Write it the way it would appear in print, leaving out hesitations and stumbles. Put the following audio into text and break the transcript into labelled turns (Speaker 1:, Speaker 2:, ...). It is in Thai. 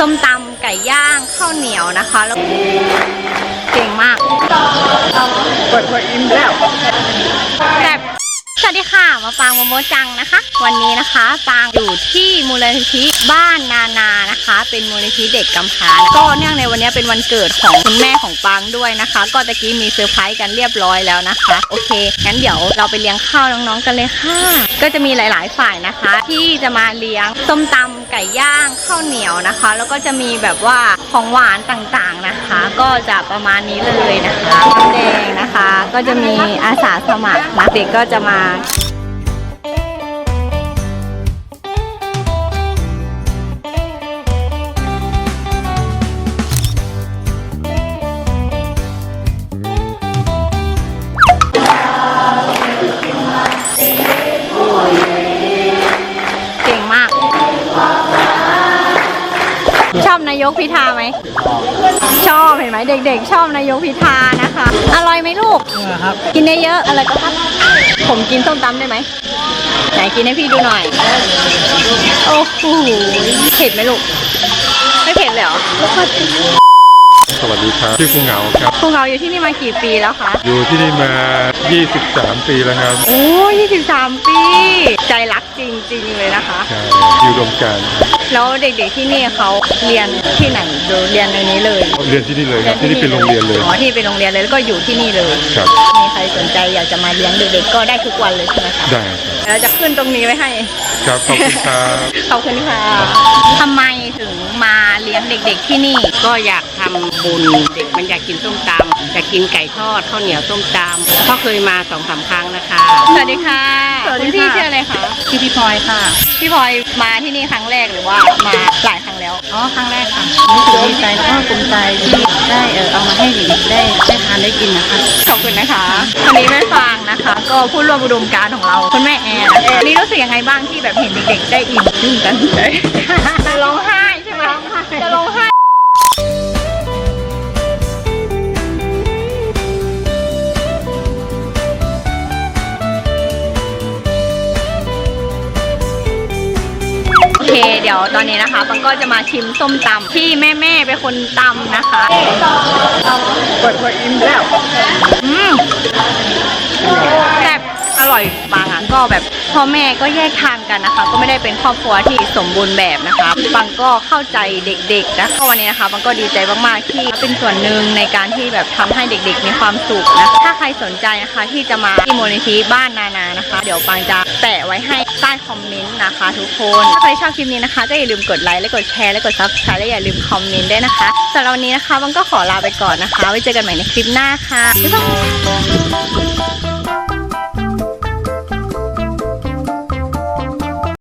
Speaker 1: ส้มตำไก่ย่างข้าวเหนียวนะคะแล้วเก่งมากกดอิ่มแล้วแบบสวัสดีค่ะมาปางโมโมจังนะคะวันนี้นะคะปางอยู่ที่มูลนิธิบ้านนานานะคะเป็นมูลนิธิเด็กกำพร้าก็เนื่องในวันนี้เป็นวันเกิดของคุณแม่ของปางด้วยนะคะก็ตะกี้มีเซอร์ไพรส์กันเรียบร้อยแล้วนะคะโอเคงั้นเดี๋ยวเราไปเลี้ยงข้าวน้องๆกันเลยค่ะก็จะมีหลายๆฝ่ายนะคะที่จะมาเลี้ยงส้มตำไก่ย่างข้าวเหนียวนะคะแล้วก็จะมีแบบว่าของหวานต่างๆนะคะก็จะประมาณนี้เลยนะคะน้ำแดงนะคะก็จะมีอาสาสมัครนะเด็กก็จะมาเก่งมากชอบนายกพิธาไหมชอบเห็นไหมเด็กๆชอบนายกพิธานะคะอร่อยไหมลูกครับกินได้เยอะอะไรก็ครับผมกินส้มตำได้ไหมไหนกินให้พี่ดูหน่อยโอ้โหเผ็ดไหมลูกไม่เผ็ดเลยเหรอ
Speaker 2: สวัสดีครับชื่อภูเหงาครับ
Speaker 1: ภูเหงาอยู่ที่นี่มากี่ปีแล้วคะ
Speaker 2: อยู่ที่นี่มา23 ปีแล้วครับ
Speaker 1: โอ้23 ปีใจรักจริงๆเลยนะคะ
Speaker 2: ใช่อยู่รวมกัน
Speaker 1: แล้วเด็กๆที่นี่เขาเรียนที่ไหนดูเรียนในนี้เลย
Speaker 2: เรียนที่นี่เลยครับที่นี่เป็นโรงเรียนเลย
Speaker 1: อ๋อที่เป็นโรงเรียนเลยแล้วก็อยู่ที่นี่เลย
Speaker 2: ครับ
Speaker 1: มีใครสนใจอยากจะมาเลี้ยงเด็กๆก็ได้ทุกวันเลยใช่ไหมคะ
Speaker 2: ได้
Speaker 1: เราจะขึ้นตรงนี้ไว้ให้
Speaker 2: ครับขอบคุณครับ
Speaker 1: ขอบคุณค่ะทำไมถึงมาเลี้ยงเด็กๆที่นี่
Speaker 3: ก็อยากทำบุญเด็กมันอยากกินส้มตำอยากกินไก่ทอดข้าวเหนียวส้มตำก็เคยมา2-3 ครั้งนะคะ
Speaker 1: สวัสดีค่ะคุณพี่ชื่ออะไรคะ
Speaker 3: พี่พลอยค่ะ
Speaker 1: พี่พลอยมาที่นี่ครั้งแรกหรือว่ามาหลายครั้งแล้ว
Speaker 3: อ๋อครั้งแรกค่ะรู้สึกดีใจแล้วก็ภูมิใจที่ได้เอามาให้เด็กได้ทานได้กินนะคะ
Speaker 1: ขอบคุณนะคะวันนี้แม่ฟางนะคะก็ผู้ร่วมอุดมการณ์ของเราคุณแม่แอนวันนี้รู้สึกยังไงบ้างที่แบบเห็นเด็กๆได้อิ่มจุ้งกันจะร้องไห้ใช่ไหมจะร้องไห้โอเคเดี๋ยวตอนนี้นะคะปังก็จะมาชิมส้มตำที่แม่เป็นคนตำนะคะกดอิ่มแล้วแบบอร่อยปังอ่ะก็แบบพ่อแม่ก็แยกทางกันนะคะก็ไม่ได้เป็นครอบครัวที่สมบูรณ์แบบนะคะปังก็เข้าใจเด็กๆนะก็วันนี้นะคะปังก็ดีใจมากๆที่เป็นส่วนหนึ่งในการที่แบบทำให้เด็กๆมีความสุขนะถ้าใครสนใจนะคะที่จะมาที่มูลนิธิบ้านนานานะคะเดี๋ยวปังจะแปะไว้ให้ใต้คอมเมนต์นะคะทุกคนถ้าใครชอบคลิปนี้นะคะก็อย่าลืมกดไลค์และกดแชร์และกด Subscribe และอย่าลืมคอมเมนต์ด้วยนะคะสำหรับวันนี้นะคะปังก็ขอลาไปก่อนนะคะไว้เจอกันใหม่ในคลิปหน้าค่ะบ๊ายบาย